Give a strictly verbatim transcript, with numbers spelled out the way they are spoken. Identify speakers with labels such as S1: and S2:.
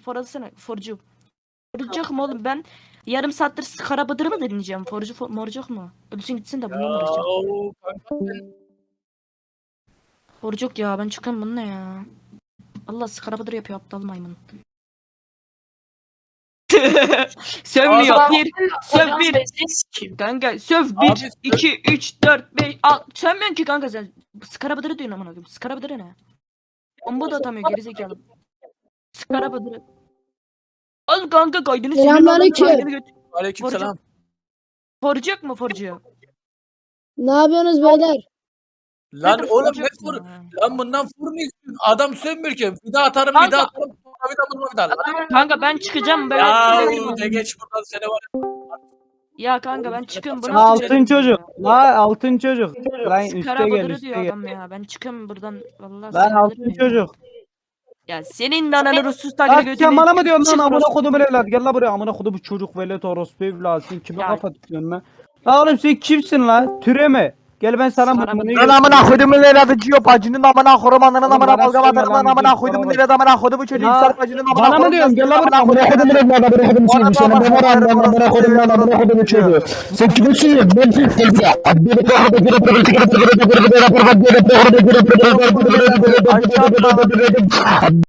S1: forasana forcu. Forcuk mu oğlum ben yarım saattir Skara Bıdır'ı mı dinleyeceğim? Forcu for, morcuk mu? Ölsün gitsin de bununla uğraşacağım.
S2: Oo, kanka sen
S1: Forcuk ya ben çıkıyorum bununla ya. Allah Skara Bıdır yapıyor aptal maymun. Sövmüyor.
S2: Adam-
S1: Bir, söv
S3: Hocam
S1: bir.
S3: ben ses kim?
S1: Kanka söv
S2: Abi,
S1: bir,
S2: söv-
S1: iki, üç, dört, beş, al. Sövmüyorsun ki kanka sen. Skara Bıdır'ı diyorsun amına koyayım. Skara Bıdır'ı ne? Bomba da atamıyor gerizekalı. Skara Bıdır'ı. Al kanka kaydını silin.
S4: Selamünaleyküm.
S1: Kaydını götür.
S2: Aleykümselam.
S1: Forcuk mu forcu?
S4: Ne yapıyorsunuz beyler?
S2: Lan
S1: Nedir
S2: oğlum
S1: forcuk
S2: ne fır?
S1: ya?
S2: Lan bundan fır mı istiyorsun? Adam sönmüyor ki. Bir daha atarım,
S1: Kanka-
S2: bir daha atarım. Bir daha bir daha bir daha.
S1: Kanka ben çıkacağım ben.
S2: Ya
S1: Ya,
S2: de geç buradan seni var.
S1: ya kanka ben çıkıyorum. Bu nasıl
S5: Altın
S1: bir herif
S5: çocuk.
S1: ya?
S5: La altın çocuk. Lan üste
S1: Skara
S5: gel
S1: Bıdır'ı
S5: üste
S1: diyor
S5: gel.
S1: adam ya. Ben çıkıyorum buradan. Vallahi
S5: Lan
S1: sinirlerim
S5: altın
S1: ya.
S5: çocuk.
S1: Ya senin de ananı ruhsuz takire
S5: Lan
S1: götüreyim.
S5: sen bana mı diyorsun lan
S1: Çık
S5: amına
S1: orospu.
S5: kodumun evlat gel la buraya amına kodumun çocuk velet orospu evlat sen kime
S1: Ya.
S5: kafa tutuyorsun lan? La oğlum sen kimsin la? Türeme. Gel ben sana
S1: Skara
S5: bunu
S1: Bıdır.
S6: Lan amına koydumun evladı ciyo bacının amına korum ananın
S5: Oğlum
S6: amına
S5: bana
S6: balgam
S5: söyleme
S6: atarım
S5: lan,
S6: lan amına
S5: dur,
S6: koydumun
S5: bana
S6: evladı amına koydumun çocuğu
S5: Ya,
S6: insan bacının amına
S5: bana mı
S6: korum
S5: diyorsun? Gel lan
S6: amına
S5: buraya.
S6: koydumun
S7: Amına kodum evladı, amına kodum çocuğu. Sana ne var amına amına kodum lan amına kodum çocuğu. Sen kimsin? Ben gel buraya.